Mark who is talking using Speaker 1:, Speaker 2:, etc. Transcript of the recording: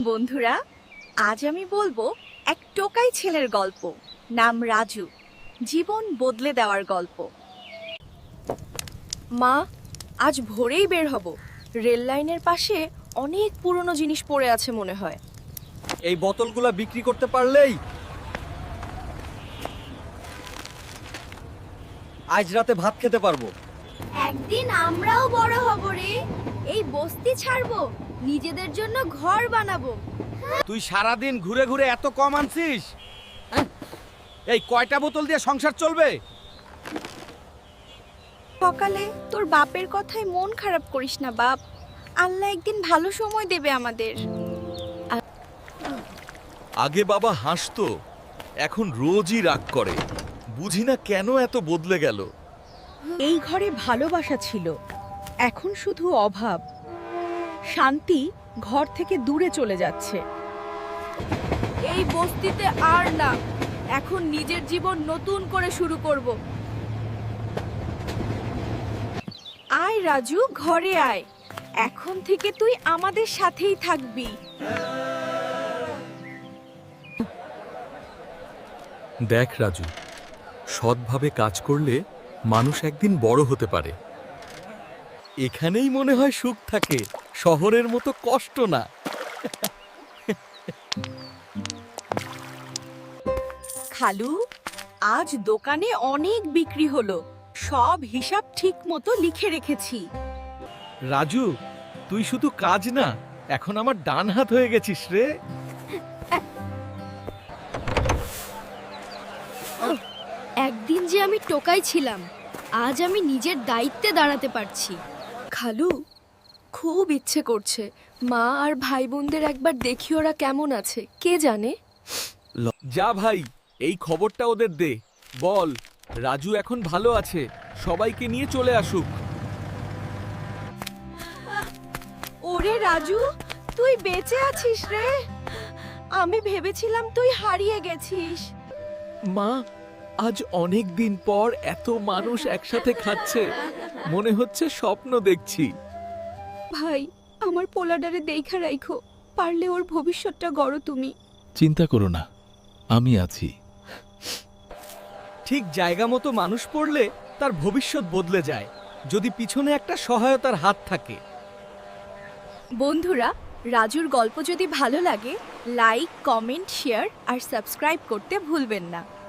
Speaker 1: বন্ধুরা, আজ আমি বলবো এক টোকাই ছেলের গল্প। নাম রাজু। জীবন বদলে দেওয়ার গল্প। মা, আজ ভোরেই বের হব। রেল লাইনের পাশে অনেক পুরনো জিনিস পড়ে আছে মনে হয়।
Speaker 2: এই বোতলগুলা বিক্রি করতে পারলেই আজ রাতে ভাত খেতে পারবো।
Speaker 1: একদিন আমরাও বড় হব রে। এই বস্তি ছাড়বো, নিজেদের জন্য ঘর বানাবো।
Speaker 2: তুই সারাদিন ঘুরে ঘুরে এত কম আনছিস? এই কয়টা বোতল দিয়ে সংসার চলবে?
Speaker 1: সকালে তোর বাপের কথায় মন খারাপ করিস না বাপ। আল্লাহ একদিন ভালো সময় দেবে আমাদের।
Speaker 3: আগে বাবা হাসতো, এখন রোজই রাগ করে। বুঝি না কেন এত বদলে গেল।
Speaker 4: এই ঘরে ভালোবাসা ছিল, এখন শুধু অভাব। শান্তি ঘর থেকে দূরে চলে যাচ্ছে।
Speaker 1: এই বস্তিতে আর না, এখন নিজের জীবন নতুন করে শুরু করব। আয় রাজু, ঘরে আয়। এখন থেকে তুই আমাদের সাথেই থাকবি।
Speaker 3: দেখ রাজু, সৎভাবে কাজ করলে মানুষ একদিন বড় হতে পারে। এখানেই মনে হয় সুখ থাকে, শহরের মতো কষ্ট না।
Speaker 1: খালু, আজ দোকানে অনেক বিক্রি হলো। সব হিসাব ঠিক মতো লিখে রেখেছি।
Speaker 2: রাজু, তুই শুধু কাজ না, এখন আমার ডান হাত হয়ে গেছিস রে।
Speaker 5: একদিন যে আমি টোকাই ছিলাম, আজ আমি নিজের দায়িত্বে দাঁড়াতে পারছি।
Speaker 1: খালু, খুব ইচ্ছে করছে মা আর ভাই বোনদের একবার দেখি ওরা কেমন আছে। কে জানে।
Speaker 2: যা ভাই, এই খবরটা ওদের দে। বল রাজু এখন ভালো আছে, সবাইকে নিয়ে চলে আসুক।
Speaker 1: ওরে রাজু, তুই বেঁচে আছিস রে। আমি ভেবেছিলাম তুই হারিয়ে গেছিস।
Speaker 2: মা, আজ অনেক দিন পর এত মানুষ একসাথে খাচ্ছে, মনে হচ্ছে স্বপ্ন দেখছি।
Speaker 1: ভাই, আমার পোলাডারে দেখা রাখো, পারলে ওর ভবিষ্যৎটা গড়ো তুমি।
Speaker 3: চিন্তা করো না, আমি আছি।
Speaker 2: ঠিক জায়গা মতো মানুষ পড়লে তার ভবিষ্যৎ বদলে যায়, যদি পিছনে একটা সহায়তার হাত থাকে।
Speaker 1: বন্ধুরা, রাজুর গল্প যদি ভালো লাগে, লাইক, কমেন্ট, শেয়ার আর সাবস্ক্রাইব করতে ভুলবেন না।